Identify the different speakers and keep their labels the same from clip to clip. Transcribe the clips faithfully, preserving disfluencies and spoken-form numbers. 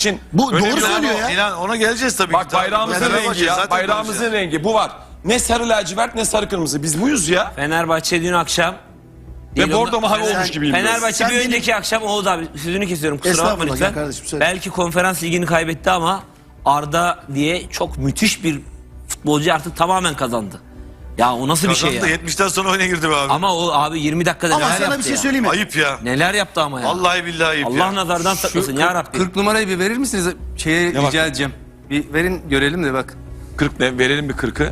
Speaker 1: için
Speaker 2: Bu doğru
Speaker 1: önemli.
Speaker 2: söylüyor ya.
Speaker 3: İnan ona geleceğiz tabii.
Speaker 1: Bak
Speaker 3: ki.
Speaker 1: bayrağımızın
Speaker 3: Fenerbahçe
Speaker 1: rengi ya.
Speaker 3: zaten
Speaker 1: Bayrağımızın
Speaker 3: böyle şey.
Speaker 1: rengi bu var. Ne sarı lacivert ne sarı kırmızı. Biz buyuz ya.
Speaker 4: Fenerbahçe dün akşam
Speaker 1: Ve bordo
Speaker 4: ondan-
Speaker 1: mavi olmuş
Speaker 4: Fener-
Speaker 1: gibiyim. biraz.
Speaker 4: Fenerbahçe
Speaker 2: Sen
Speaker 4: bir
Speaker 2: benim-
Speaker 4: önceki akşam Oğuz abi sözünü kesiyorum kusura bakma
Speaker 2: Estağfurullah,
Speaker 4: lütfen.
Speaker 2: gel kardeşim, söyle.
Speaker 4: Belki konferans ligini kaybetti ama Arda diye çok müthiş bir futbolcu artık tamamen kazandı. Ya o nasıl bir şey
Speaker 3: Kazandı,
Speaker 4: ya?
Speaker 3: yetmişten sonra oyuna girdi be abi.
Speaker 4: Ama o abi yirmi dakikada
Speaker 2: Ama
Speaker 4: neler
Speaker 2: sana
Speaker 4: yaptı
Speaker 2: bir şey
Speaker 4: ya?
Speaker 2: söyleyeyim mi?
Speaker 3: Ayıp ya.
Speaker 4: Neler yaptı ama ya?
Speaker 3: Vallahi billahi ayıp
Speaker 4: Allah
Speaker 3: ya.
Speaker 4: nazardan saklasın ya Rabbi.
Speaker 5: kırk numarayı bir verir misiniz? Şeye
Speaker 1: Ne bak?
Speaker 5: rica edeceğim. Bir verin görelim de bak.
Speaker 1: kırk ne? Verelim bir kırkı.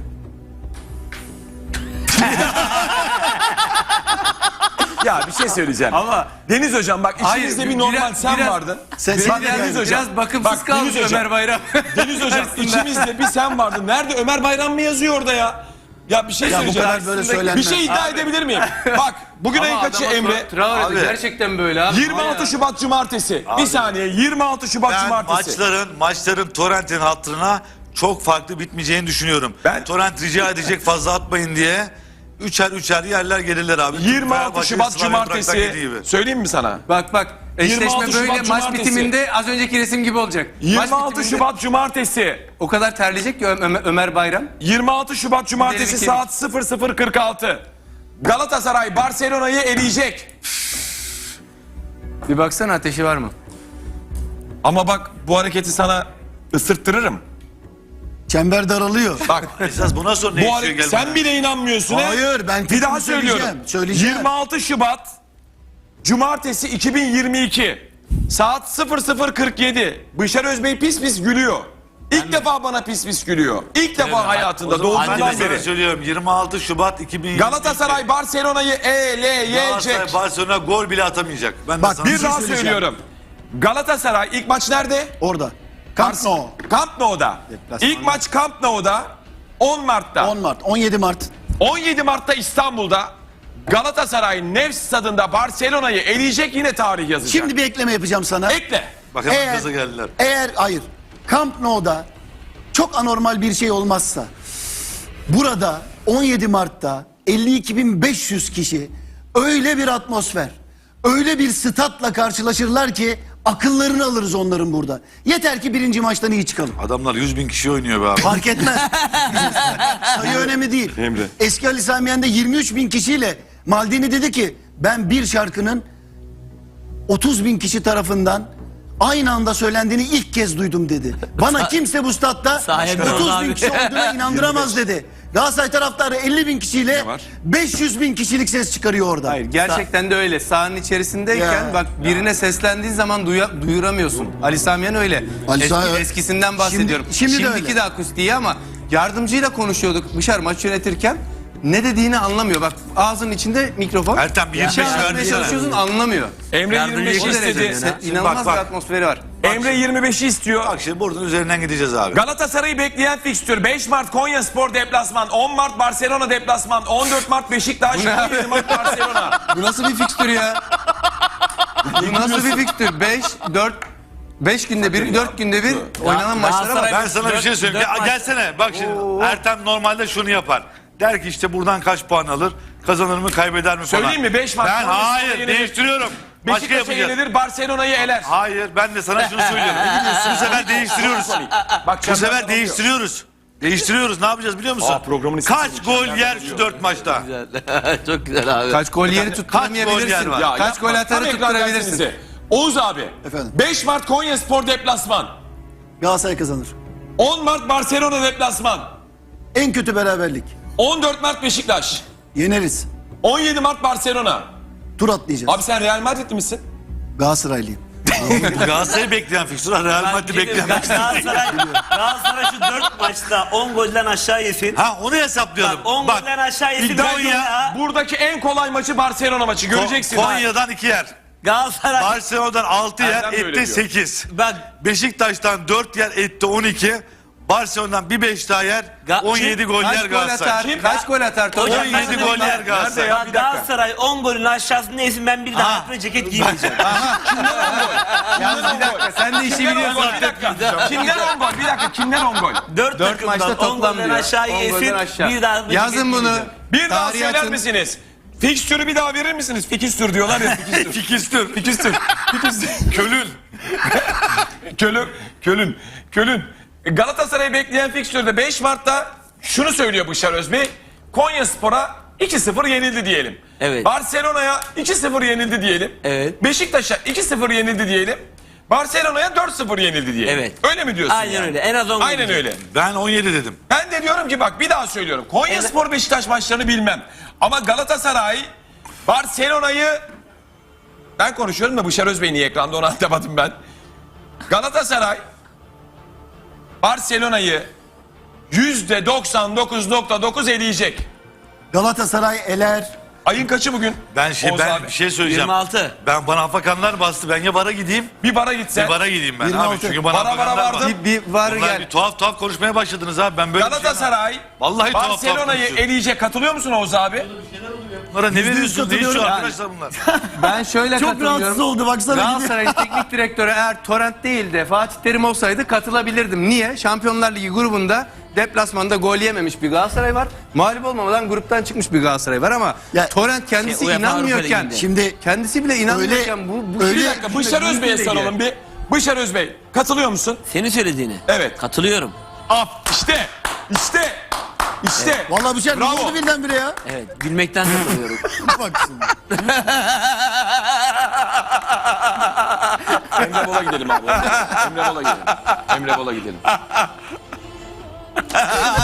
Speaker 1: Ya bir şey söyleyeceğim.
Speaker 5: Ama
Speaker 1: Deniz hocam bak
Speaker 5: Hayır,
Speaker 1: içimizde bir
Speaker 5: biraz-
Speaker 1: normal sen
Speaker 5: biraz-
Speaker 1: vardın.
Speaker 2: Sen
Speaker 1: Bak,
Speaker 2: sen de
Speaker 1: Deniz
Speaker 2: geldin.
Speaker 1: hocam.
Speaker 5: biraz bakımsız
Speaker 1: Bak,
Speaker 5: kalmış
Speaker 1: Deniz hocam.
Speaker 5: Ömer Bayram.
Speaker 1: Deniz hocam
Speaker 5: Arasında.
Speaker 1: içimizde bir sen vardın. Nerede Ömer Bayram mı yazıyor orada ya? Ya bir şey
Speaker 2: Ya bu
Speaker 1: söyleyeceğim.
Speaker 2: kadar böyle
Speaker 1: Bir
Speaker 2: söylenmez.
Speaker 1: şey iddia edebilir miyim? Bak bugün ayın kaçı Emre?
Speaker 5: Traore
Speaker 3: Abi.
Speaker 5: gerçekten böyle abi.
Speaker 1: yirmi altı Şubat Cumartesi. Bir saniye yirmi altı Şubat
Speaker 3: Ben
Speaker 1: Cumartesi.
Speaker 3: maçların, maçların Torrent'in hatırına çok farklı bitmeyeceğini düşünüyorum.
Speaker 1: Ben-
Speaker 3: Torrent rica edecek fazla atmayın diye. Üçer üçer yerler gelirler abi.
Speaker 1: yirmi altı
Speaker 3: Fenerbahçe
Speaker 1: Şubat
Speaker 3: Slavia Prag'dan
Speaker 1: Cumartesi.
Speaker 3: yediği gibi.
Speaker 1: Söyleyeyim mi sana?
Speaker 5: Bak bak
Speaker 1: yirmi altı
Speaker 5: eşleşme böyle
Speaker 1: Şubat
Speaker 5: maç
Speaker 1: Cumartesi.
Speaker 5: bitiminde az önceki resim gibi olacak. Maç
Speaker 1: yirmi altı
Speaker 5: bitiminde
Speaker 1: Şubat Cumartesi.
Speaker 5: o kadar terleyecek ki Ö- Ömer, Ömer Bayram.
Speaker 1: yirmi altı Şubat Cumartesi
Speaker 5: İleri bir
Speaker 1: saat sıfır sıfır kırk altı. Galatasaray Barcelona'yı eleyecek.
Speaker 5: Bir baksana ateşi var mı?
Speaker 1: Ama bak bu hareketi sana ısırttırırım.
Speaker 2: Çember daralıyor.
Speaker 1: Bak
Speaker 3: Esas bundan sonra ne
Speaker 1: bu
Speaker 3: işiyor
Speaker 1: hareket
Speaker 3: gelmeden?
Speaker 1: sen bile inanmıyorsun. he?
Speaker 2: Hayır, ben
Speaker 1: bir daha
Speaker 2: fikrimi
Speaker 1: söylüyorum.
Speaker 2: söyleyeceğim, söyleyeceğim.
Speaker 1: yirmi altı Şubat Cumartesi iki bin yirmi iki saat sıfır sıfır kırk yedi. Bışar Özbey pis pis gülüyor. İlk defa bana pis pis gülüyor. İlk defa hayatında
Speaker 3: O zaman ben de
Speaker 1: doğduğundan
Speaker 3: sana
Speaker 1: beri.
Speaker 3: söylüyorum yirmi altı Şubat iki bin yirmi iki.
Speaker 1: Galatasaray Barcelona'yı eleyecek.
Speaker 3: Galatasaray Barcelona gol bile atamayacak. Ben de
Speaker 2: Bak,
Speaker 3: sana
Speaker 1: Bir
Speaker 2: şey
Speaker 1: daha
Speaker 2: söyleyeceğim.
Speaker 1: söylüyorum. Galatasaray ilk maç nerede?
Speaker 2: Orada. Camp Nou.
Speaker 1: Camp Nou'da.
Speaker 2: Deplasman.
Speaker 1: İlk maç Camp Nou'da on Mart'ta.
Speaker 2: on Mart, on yedi Mart.
Speaker 1: on yedi Mart'ta İstanbul'da Galatasaray Nefs Stadında Barcelona'yı eleyecek, yine tarih yazacak.
Speaker 2: Şimdi bir ekleme yapacağım sana.
Speaker 1: Ekle.
Speaker 3: Bak hemen
Speaker 2: Eğer,
Speaker 3: gaza geldiler.
Speaker 2: eğer hayır Camp Nou'da çok anormal bir şey olmazsa burada on yedi Mart'ta elli iki bin beş yüz kişi öyle bir atmosfer, öyle bir statla karşılaşırlar ki akıllarını alırız onların burada. Yeter ki birinci maçtan iyi çıkalım.
Speaker 3: Adamlar yüz bin kişi oynuyor be abi.
Speaker 2: Fark etmez. Sayı önemli değil.
Speaker 1: Emre.
Speaker 2: Eski Ali Sami Yen'de yirmi üç bin kişiyle Maldini dedi ki ben bir şarkının otuz bin kişi tarafından aynı anda söylendiğini ilk kez duydum dedi. Bana kimse bu statta
Speaker 4: Sahibi
Speaker 2: otuz
Speaker 4: oldu
Speaker 2: bin
Speaker 4: abi.
Speaker 2: kişi olduğuna inandıramaz dedi. Galatasaray taraftarı elli bin kişiyle
Speaker 1: Ne var?
Speaker 2: beş yüz bin kişilik ses çıkarıyor orada.
Speaker 5: Hayır gerçekten de öyle. Sahanın içerisindeyken
Speaker 2: Ya.
Speaker 5: bak birine seslendiğin zaman duya- duyuramıyorsun. Ali Samiyen öyle.
Speaker 2: Ali
Speaker 5: Eski,
Speaker 2: Sami-
Speaker 5: eskisinden bahsediyorum.
Speaker 2: Şimdi- şimdi de
Speaker 5: Şimdiki
Speaker 2: öyle.
Speaker 5: de akustiği ama yardımcıyla konuşuyorduk Bışar maç yönetirken. Ne dediğini anlamıyor. Bak ağzının içinde mikrofon.
Speaker 3: Ertem bir yirmi
Speaker 5: Bir şey
Speaker 3: beş
Speaker 5: anlatmaya
Speaker 3: verdi
Speaker 5: çalışıyorsun anlamıyor.
Speaker 1: Emre
Speaker 4: Yardımcı
Speaker 1: yirmi beşi
Speaker 4: o
Speaker 5: derece
Speaker 1: istedi.
Speaker 5: yani.
Speaker 3: Şimdi
Speaker 5: İnanılmaz
Speaker 3: bak, bak.
Speaker 5: bir atmosferi var.
Speaker 1: Emre yirmi beşi istiyor.
Speaker 3: Bak şimdi buradan üzerinden gideceğiz abi.
Speaker 1: Galatasaray'ı bekleyen fikstür beş Mart Konyaspor deplasman, on Mart Barcelona deplasman, on dört Mart Beşiktaş,
Speaker 5: Bu ne
Speaker 1: on yedi Mart Barcelona.
Speaker 5: Bu nasıl bir fikstür ya? Bu nasıl bir fikstür? beş, dört, beş günde bir, dört günde bir oynanan maçlara bak.
Speaker 3: Ben sana bir şey söyleyeyim.
Speaker 4: dört
Speaker 3: Gel,
Speaker 4: maç-
Speaker 3: gelsene. Bak şimdi Ertem normalde şunu yapar. Der ki işte buradan kaç puan alır? Kazanır mı kaybeder mi falan.
Speaker 1: Söyleyeyim mi? beş Mart
Speaker 3: Ben
Speaker 1: Konyaspor'a
Speaker 3: hayır
Speaker 1: yenilir.
Speaker 3: değiştiriyorum. Başka
Speaker 1: Beşiktaş'a
Speaker 3: yapacağız.
Speaker 1: yenilir, Barcelona'yı eler.
Speaker 3: Hayır ben de sana şunu söylüyorum. Bu sefer değiştiriyoruz.
Speaker 1: Bak,
Speaker 3: Bu
Speaker 1: çember
Speaker 3: sefer
Speaker 1: daralıyor.
Speaker 3: değiştiriyoruz. Değiştiriyoruz. Ne yapacağız biliyor musun?
Speaker 1: Aa, programın ismi
Speaker 3: Kaç
Speaker 1: çok
Speaker 3: gol
Speaker 1: çember
Speaker 3: yer
Speaker 1: daralıyor.
Speaker 3: şu dört maçta?
Speaker 4: Çok güzel abi.
Speaker 5: Kaç gol yeri
Speaker 3: yer
Speaker 5: tutturamayabilirsin.
Speaker 3: var?
Speaker 1: Ya
Speaker 5: Kaç
Speaker 1: yapma,
Speaker 5: gol
Speaker 1: tam
Speaker 5: atarı
Speaker 1: ekran
Speaker 5: tutturabilirsin.
Speaker 1: dersinize. Oğuz abi.
Speaker 2: Efendim?
Speaker 1: beş Mart Konyaspor deplasman,
Speaker 2: Galatasaray kazanır.
Speaker 1: on Mart Barcelona deplasman,
Speaker 2: En kötü beraberlik.
Speaker 1: on dört Mart Beşiktaş,
Speaker 2: Yeneriz.
Speaker 1: on yedi Mart Barcelona.
Speaker 2: Tur atlayacağız.
Speaker 1: Abi sen Real Madrid'li misin?
Speaker 2: Galatasaraylıyım.
Speaker 3: Galatasaray'ı bekleyen fikstür. Real Madrid'i bekleyen fikstür.
Speaker 6: Galatasaray, Galatasaray şu dört maçta on golden aşağı yesin.
Speaker 3: Ha onu hesaplayalım.
Speaker 6: Bak on golden aşağı yesin.
Speaker 1: iddia
Speaker 6: Konya,
Speaker 1: ediyorum, buradaki en kolay maçı Barcelona maçı. Göreceksin.
Speaker 3: Konya'dan iki yer.
Speaker 6: Galatasaray.
Speaker 3: Barcelona'dan altı yer,
Speaker 1: Erdem de öyle
Speaker 3: etti
Speaker 1: diyor.
Speaker 3: sekiz.
Speaker 6: Bak
Speaker 3: Beşiktaş'tan dört yer, etti on iki. Barcelona'dan bir beş daha yer,
Speaker 6: Ga-
Speaker 3: on yedi gol yer
Speaker 5: Kaç gol
Speaker 3: Galatasaray.
Speaker 5: atar? Kaç gol atar?
Speaker 6: Hocam,
Speaker 5: Hocam,
Speaker 3: on yedi gol yer Galatasaray.
Speaker 1: ya?
Speaker 6: bak,
Speaker 1: Bir dakika.
Speaker 6: Galatasaray on golün aşağısında yesin, ben bir daha hayatımda ceket giymeyeceğim.
Speaker 5: bir dakika sen de işi
Speaker 1: Kimden on
Speaker 5: biliyorsun.
Speaker 1: gol? Bir dakika. Kimden on gol? Bir dakika. Kimden on gol?
Speaker 6: Dört,
Speaker 5: Dört maçta
Speaker 6: takımdan on
Speaker 5: toplam
Speaker 6: golden
Speaker 5: diyor.
Speaker 6: aşağı
Speaker 5: on golden
Speaker 6: yesin,
Speaker 5: aşağı.
Speaker 6: bir daha hayatımda
Speaker 5: Yazın
Speaker 6: ceket
Speaker 5: bunu.
Speaker 6: giymeyeceğim.
Speaker 1: Bir daha
Speaker 5: Tarihi
Speaker 1: söyler
Speaker 5: açın.
Speaker 1: misiniz? Fikstürü bir daha verir misiniz? Fikstür diyorlar ya. Fikstür.
Speaker 3: Fikistür.
Speaker 1: Fikstür. Fikstür.
Speaker 3: Kölün.
Speaker 1: Kölün, Kölün, Kölün. Galatasaray'ı bekleyen fikstürde beş Mart'ta şunu söylüyor Bışar Özbey. Konyaspor'a iki sıfır yenildi diyelim.
Speaker 4: Evet.
Speaker 1: Barcelona'ya iki sıfır yenildi diyelim.
Speaker 4: Evet.
Speaker 1: Beşiktaş'a iki sıfır yenildi diyelim. Barcelona'ya dört sıfır yenildi diyelim.
Speaker 4: Evet.
Speaker 1: Öyle mi diyorsun?
Speaker 4: Aynen
Speaker 1: yani?
Speaker 4: öyle. En az on gol
Speaker 1: Aynen
Speaker 4: diyecek.
Speaker 1: öyle.
Speaker 3: Ben on yedi dedim.
Speaker 1: Ben de diyorum ki bak bir daha söylüyorum. Konyaspor Beşiktaş maçlarını bilmem. Ama Galatasaray Barcelona'yı ben konuşuyorum da Bışar Özbey niye ekranda onu anlamadım ben. Galatasaray Barcelona'yı yüzde doksan dokuz nokta dokuz eleyecek.
Speaker 2: Galatasaray eler.
Speaker 1: Ayın kaçı bugün?
Speaker 3: Ben şey
Speaker 1: Oğuz
Speaker 3: ben
Speaker 1: abi.
Speaker 3: bir şey söyleyeceğim.
Speaker 4: yirmi altı.
Speaker 3: Ben bana afakanlar bastı. Ben ya bara gideyim.
Speaker 1: Bir bara gitsen.
Speaker 3: Bir bara gideyim ben
Speaker 2: yirmi
Speaker 3: abi.
Speaker 2: altı.
Speaker 3: Çünkü bana
Speaker 1: Bara bara
Speaker 3: afakanlar
Speaker 1: vardım.
Speaker 3: bastı.
Speaker 5: Bir, bir var
Speaker 3: Bunlar
Speaker 5: gel.
Speaker 3: bir tuhaf tuhaf konuşmaya başladınız abi. Ben böyle bir şey-
Speaker 1: Galatasaray
Speaker 3: Vallahi tuhaf tuhaf
Speaker 1: Barcelona'yı
Speaker 3: konuşuyor.
Speaker 1: eleyecek. Katılıyor musun Oğuz abi?
Speaker 3: Bunlara ne veriyorsunuz? Ne
Speaker 2: katılıyorum.
Speaker 3: içiyor
Speaker 2: Yani.
Speaker 3: arkadaşlar bunlar?
Speaker 5: Ben şöyle
Speaker 2: Çok
Speaker 5: katılıyorum.
Speaker 2: rahatsız oldu, baksana gidiyor.
Speaker 5: Galatasaray'ın teknik direktörü eğer Torrent değil de Fatih Terim olsaydı katılabilirdim. Niye? Şampiyonlar Ligi grubunda deplasmanda gol yememiş bir Galatasaray var. Mağlup olmamadan gruptan çıkmış bir Galatasaray var ama
Speaker 2: Ya,
Speaker 5: Torrent kendisi
Speaker 4: şey, UEFA Avrupa
Speaker 5: inanmıyorken,
Speaker 4: Ligi'nde.
Speaker 2: Şimdi
Speaker 5: kendisi bile inanmıyorken bu, bu
Speaker 2: öyle-
Speaker 1: Bir dakika Bışar Özbey'e soralım bir. Bışar Özbey katılıyor musun?
Speaker 4: Senin söylediğini.
Speaker 1: Evet.
Speaker 4: Katılıyorum.
Speaker 1: Af işte işte işte.
Speaker 2: vallahi bir şey ne
Speaker 1: Bravo.
Speaker 2: oldu birdenbire ya?
Speaker 4: Evet. Gülmekten katılıyorum.
Speaker 2: Bak şimdi.
Speaker 1: Emre Bol'a gidelim abi. Emre Bol'a gidelim. Emre Bol'a gidelim.